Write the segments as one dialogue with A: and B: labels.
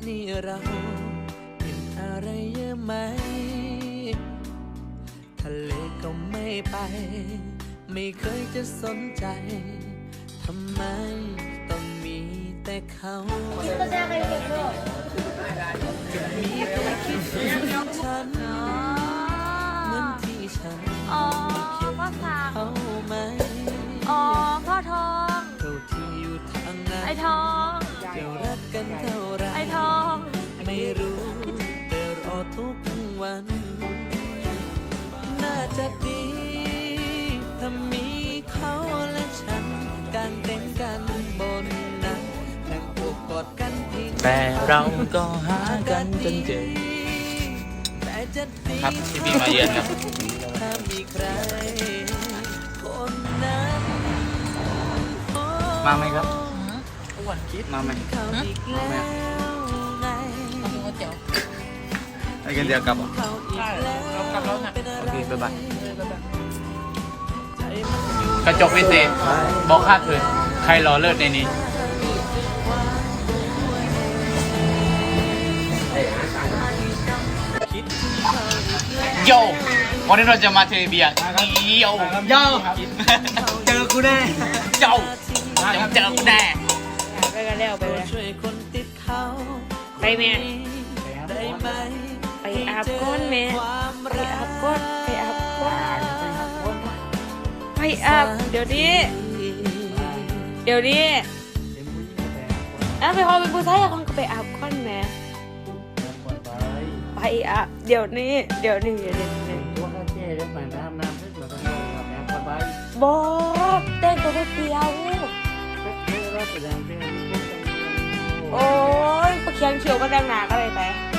A: นี้เราเป็นอะไรเยอะไหมทะเลก็ไม่ไปไม่เคยจะสนใจทำไมต้องมีแต่เขาจะมีแต่คิดถึงฉันเหมือนที่ฉันคิดถึงเขาไหม
B: พ่อทอง
A: เท่าที่อยู่ทางนั้น
B: ไอ้ทอง
A: จะรักกันเท่าไร
B: ไอ้ทอง
A: ไม่รู้แต่รอทุกวัน น่าจะดีถ้ามีเขาและฉันการเต้นกันบนนั้นนั่งโอบกอดกันทิ้ง
C: แต่เราก็หากันจนเจอ
A: แต่จะดี
C: ครับที่พี่มาเยือนครับ
A: ถ้ามีใครคนนั้น
C: มาไหมครับ
A: อ้วนคิด
C: มาไหม
A: เขาอีกแล้วไง
C: ไปกันเดียวกลับเหรอ
A: เขาอีกแล้วเป็นอะ
C: โอ
A: ไร
C: เคบ๊ายบาย
A: ใจมันอยู่
C: กระจกวิเศษบอกค่าคืนใครรอเลิศในนี้
A: คิดถึงเขาอีกแล้ว
C: โยวันนี้เราจะมาเทเบียร์โยโยเจอกูแน่โยเจอกูแน่
B: ไปกันแล้วไปเลย
A: ช่วยคนติดเขา
B: ไปแม่
A: ได้ไหม
B: ไปอาบก้นแม่ไปอาบก้นไปอาบก้นไปอาบเดี๋ยวนี้ไปพอเป็นผู้ชายคนก็ไปอาบก้นแม่ไปอาบเดี๋ยวนี้บอกแต่งตัวไปเปรียวโอ้ยปะเคียงเขียวก็แต่งหนาก็เลย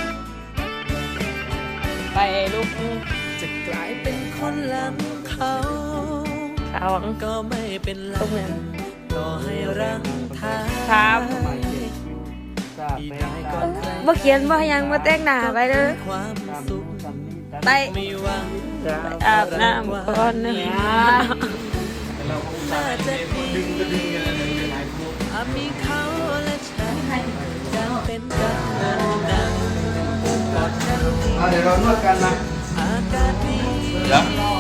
B: ไปลูก
A: จะกลายเป็นคนหลังเขา
B: สาวง
A: ก็ไม่เป็นไร
B: ตรงนั้น
A: ต่อให้รังทาง
B: ครับ
A: ที่ได้ก่อนใคร
B: บ่เขียนบ่ยังบ่แต่งหน้าไปเด้อ
A: ความสุข
B: ไป
A: ไม่หวัง
B: อาบน้ำก่อนนะ
A: น่าจะดีถ้ามีเขาและฉันจะเป็นกันนานๆกอดกันที
D: เดี๋ยวเรานวดกันนะ
A: อากาศดี
C: เดี๋ยว